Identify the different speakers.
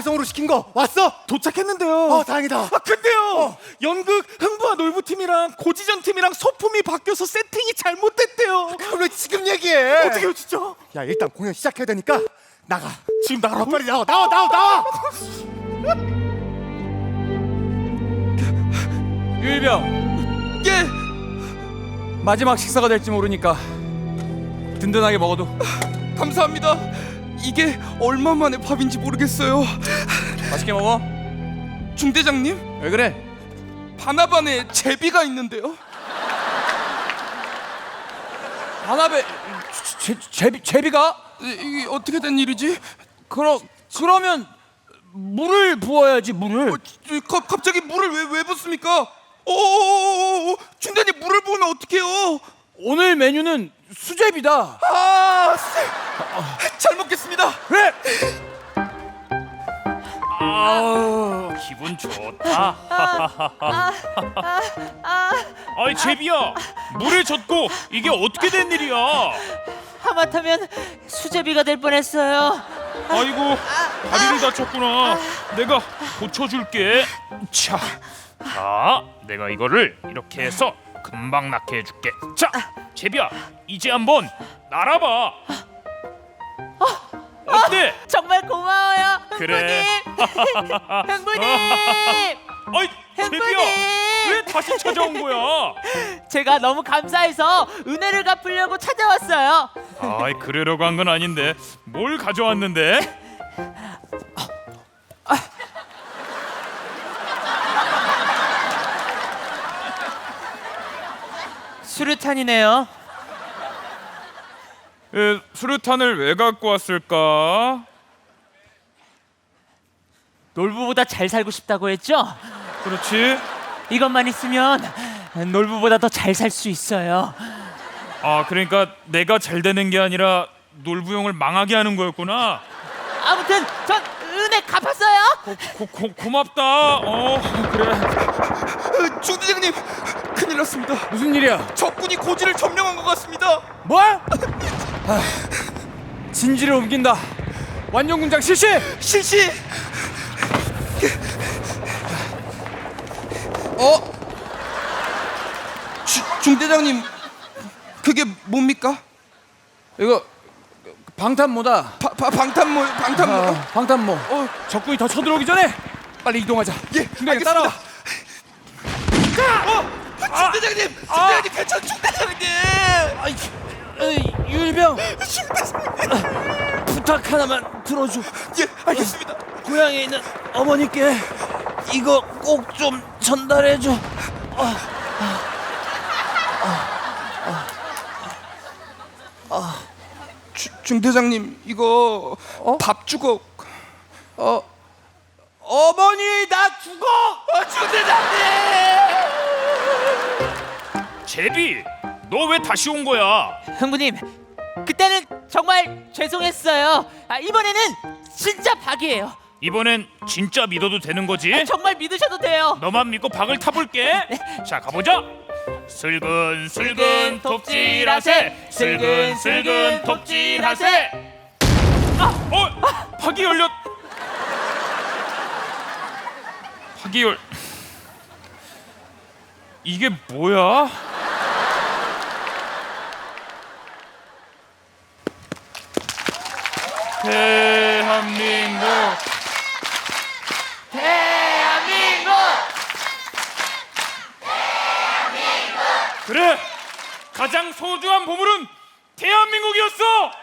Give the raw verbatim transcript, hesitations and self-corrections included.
Speaker 1: 야외송으로 시킨 거 왔어?
Speaker 2: 도착했는데요.
Speaker 1: 어 다행이다.
Speaker 2: 아 근데요.
Speaker 1: 어.
Speaker 2: 연극 흥부와 놀부팀이랑 고지전 팀이랑 소품이 바뀌어서 세팅이 잘못됐대요.
Speaker 1: 그걸 왜 지금 얘기해?
Speaker 2: 어떡해요 진짜?
Speaker 1: 야 일단 공연 시작해야 되니까 나가.
Speaker 2: 지금 나가라고?
Speaker 1: 빨리 나와 나와 나와 나와.
Speaker 3: 유일병,
Speaker 2: 예.
Speaker 3: 마지막 식사가 될지 모르니까 든든하게 먹어도.
Speaker 2: 감사합니다. 이게 얼마 만에 밥인지 모르겠어요.
Speaker 3: 맛있게 먹어.
Speaker 2: 중대장님,
Speaker 3: 왜 그래?
Speaker 2: 바나반에 제비가 있는데요.
Speaker 3: 반합에 제, 제비 제비가?
Speaker 2: 이- 이게 어떻게 된 일이지?
Speaker 3: 그러 그러면 물을 부어야지 물을.
Speaker 2: 어, 저, 가, 갑자기 물을 왜, 왜 붓습니까? 오, 중대장님 물을 부으면 어떡해요?
Speaker 3: 오늘 메뉴는 수제비다.
Speaker 2: 아, 잘 먹겠습니다.
Speaker 3: 그래.
Speaker 4: 아우 기분 좋다. 아이 제비야, 물에 젖고 이게 어떻게 된 일이야?
Speaker 5: 하마터면 수제비가 될 뻔했어요.
Speaker 4: 아이고 다리를 다쳤구나. 내가 고쳐줄게. 자, 자, 내가 이거를 이렇게 해서 금방 낫게 해줄게. 자, 제비야, 이제 한번 날아봐. 어때?
Speaker 5: 정말 고마워요,
Speaker 4: 그래.
Speaker 5: 흥부님. 흥부님,
Speaker 4: 아이 제비야, 왜 다시 찾아온 거야?
Speaker 5: 제가 너무 감사해서 은혜를 갚으려고 찾아왔어요.
Speaker 4: 아이 그러려고 한 건 아닌데 뭘 가져왔는데?
Speaker 5: 수류탄이네요.
Speaker 4: 에, 수류탄을 왜 갖고 왔을까?
Speaker 5: 놀부보다 잘 살고 싶다고 했죠?
Speaker 4: 그렇지.
Speaker 5: 이것만 있으면 놀부보다 더 잘 살 수 있어요.
Speaker 4: 아 그러니까 내가 잘 되는 게 아니라 놀부용을 망하게 하는 거였구나.
Speaker 5: 아무튼 전 은혜 갚았어요.
Speaker 4: 고, 고, 고맙다. 어 그래.
Speaker 2: 어, 중대장님, 큰일 났습니다.
Speaker 3: 무슨 일이야?
Speaker 2: 적군이 고지를 점령한 것 같습니다.
Speaker 3: 뭘? 아, 진지를 옮긴다. 완전군장 실시.
Speaker 2: 실시. 어? 주, 중대장님, 그게 뭡니까?
Speaker 3: 이거 방탄모다.
Speaker 2: 바, 바, 방탄모, 방탄모.
Speaker 3: 아, 방탄모.
Speaker 2: 어.
Speaker 3: 적군이 더 쳐들어오기 전에 빨리 이동하자.
Speaker 2: 예,
Speaker 3: 중대장 따라와.
Speaker 2: 어, 중대장님, 중대장님 괜찮, 중대장님.
Speaker 3: 아이, 에이, 유일병. 부탁 하나만 들어줘.
Speaker 2: 예, 알겠습니다.
Speaker 3: 고향에 있는 어머니께 이거 꼭 좀 전달해줘.
Speaker 2: 주, 중대장님, 이거 밥 주고.
Speaker 3: 어, 어머니 나 죽어.
Speaker 2: 어, 중대장님.
Speaker 4: 제비, 너 왜 다시 온 거야?
Speaker 5: 흥부님, 그때는 정말 죄송했어요. 아, 이번에는 진짜 박이에요.
Speaker 4: 이번엔 진짜 믿어도 되는 거지?
Speaker 5: 정말 믿으셔도 돼요.
Speaker 4: 너만 믿고 박을 타볼게. 자 가보자. 슬근 슬근 톱질하세. 슬근 슬근 톱질하세. 아, 어, 박이 열렸. 박이 열. 이게 뭐야? 대한민국.
Speaker 5: 대한민국.
Speaker 4: 그래, 가장 소중한 보물은 대한민국이었어.